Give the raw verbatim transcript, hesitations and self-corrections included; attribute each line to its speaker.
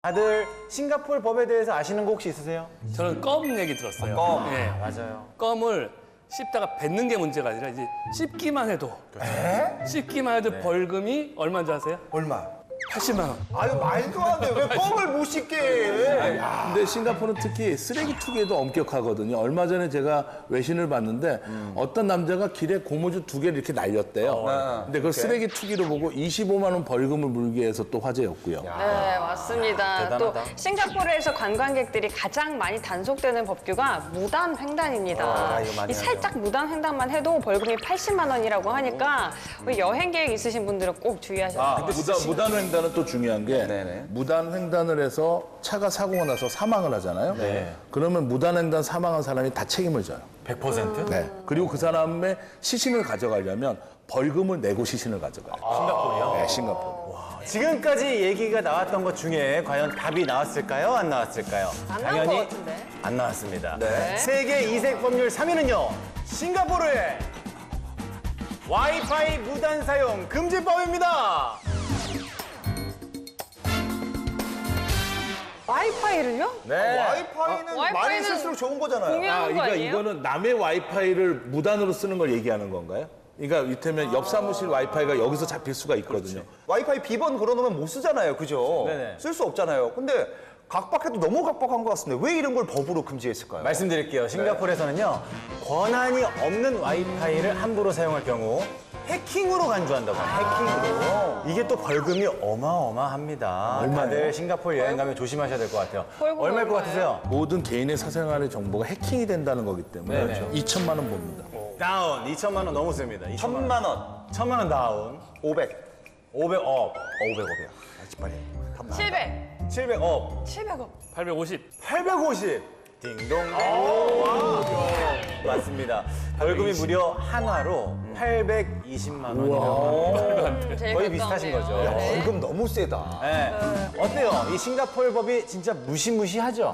Speaker 1: 다들 싱가포르 법에 대해서 아시는 거 혹시 있으세요?
Speaker 2: 저는 껌 얘기 들었어요.
Speaker 1: 껌.
Speaker 2: 예.
Speaker 1: 맞아요.
Speaker 2: 껌을 씹다가 뱉는 게 문제가 아니라 이제 씹기만 해도 씹기만 해도 벌금이 얼마인 줄 아세요?
Speaker 3: 얼마?
Speaker 2: 팔십만 원.
Speaker 3: 아유 말도 안 돼. 왜 껌을 못 씹게 해?
Speaker 4: 근데 싱가포르는 특히 쓰레기 투기에도 엄격하거든요. 얼마 전에 제가 외신을 봤는데 어떤 남자가 길에 고무줄 두 개를 이렇게 날렸대요. 근데 그걸 쓰레기 투기로 보고 이십오만 원 벌금을 물게 해서 또 화제였고요.
Speaker 5: 네, 맞습니다.
Speaker 1: 대단하다.
Speaker 5: 또 싱가포르에서 관광객들이 가장 많이 단속되는 법규가 무단 횡단입니다.
Speaker 1: 아, 이거 많이
Speaker 5: 이 살짝 무단 횡단만 해도 벌금이 팔십만 원이라고 하니까 우리 여행 계획 있으신 분들은 꼭 주의하셔야
Speaker 4: 아,
Speaker 5: 돼요.
Speaker 4: 무단, 무단 횡단은 또 중요한 게
Speaker 1: 네네.
Speaker 4: 무단 횡단을 해서 차가 사고가 나서 사망을 하잖아요.
Speaker 1: 네.
Speaker 4: 그러면 무단 횡단 사망한 사람이 다 책임을 져요.
Speaker 1: 백 퍼센트?
Speaker 4: 네. 그리고 그 사람의 시신을 가져가려면 벌금을 내고 시신을 가져가요.
Speaker 1: 싱가포르요?
Speaker 4: 네, 싱가포르.
Speaker 1: 지금까지 얘기가 나왔던 것 중에 과연 답이 나왔을까요? 안 나왔을까요?
Speaker 5: 안 나온 것 같은데.
Speaker 1: 안 나왔습니다.
Speaker 3: 네.
Speaker 1: 세계 이색 법률 삼 위는요. 싱가포르의 와이파이 무단 사용 금지법입니다.
Speaker 5: 와이파이를요?
Speaker 1: 네.
Speaker 3: 와이파이는 많이
Speaker 5: 와이파이는
Speaker 3: 쓸수록 좋은 거잖아요.
Speaker 5: 공유하는 거
Speaker 4: 그러니까
Speaker 5: 아니에요?
Speaker 4: 이거는 남의 와이파이를 무단으로 쓰는 걸 얘기하는 건가요? 그러니까 이를테면 옆 사무실 와이파이가 여기서 잡힐 수가 있거든요.
Speaker 3: 와이파이 비번 걸어놓으면 못 쓰잖아요. 그죠?
Speaker 1: 네네.
Speaker 3: 쓸 수 없잖아요. 근데 각박해도 너무 각박한 것 같습니다. 왜 이런 걸 법으로 금지했을까요?
Speaker 1: 말씀드릴게요. 싱가포르에서는요. 권한이 없는 와이파이를 함부로 사용할 경우 해킹으로 간주한다고 합니다. 해킹으로. 이게 또 벌금이 어마어마합니다. 다들 싱가포르 여행 가면 조심하셔야 될 것 같아요.
Speaker 5: 벌금
Speaker 1: 얼마일 것
Speaker 5: 얼마예요?
Speaker 1: 같으세요?
Speaker 4: 모든 개인의 사생활의 정보가 해킹이 된다는 거기 때문에
Speaker 1: 네네.
Speaker 4: 이천만 원 봅니다.
Speaker 1: 다운. 이천만 원 넘었습니다. 이천만 원.
Speaker 3: 천만 원.
Speaker 1: 천만 원 다운.
Speaker 3: 오백.
Speaker 1: 오백억.
Speaker 3: 오백억이야. 빨리.
Speaker 5: 칠백.
Speaker 1: 칠백억.
Speaker 5: 칠백억.
Speaker 2: 팔백오십.
Speaker 1: 팔백오십. 딩동. 와. 맞습니다. 벌금이 무려 한화로 팔백이십만 원이라고.
Speaker 5: 제일
Speaker 1: 거의
Speaker 5: 가까운
Speaker 1: 비슷하신
Speaker 5: 데요.
Speaker 1: 거죠.
Speaker 5: 네.
Speaker 3: 벌금 너무 세다.
Speaker 1: 네. 어때요? 이 싱가포르 법이 진짜 무시무시하죠?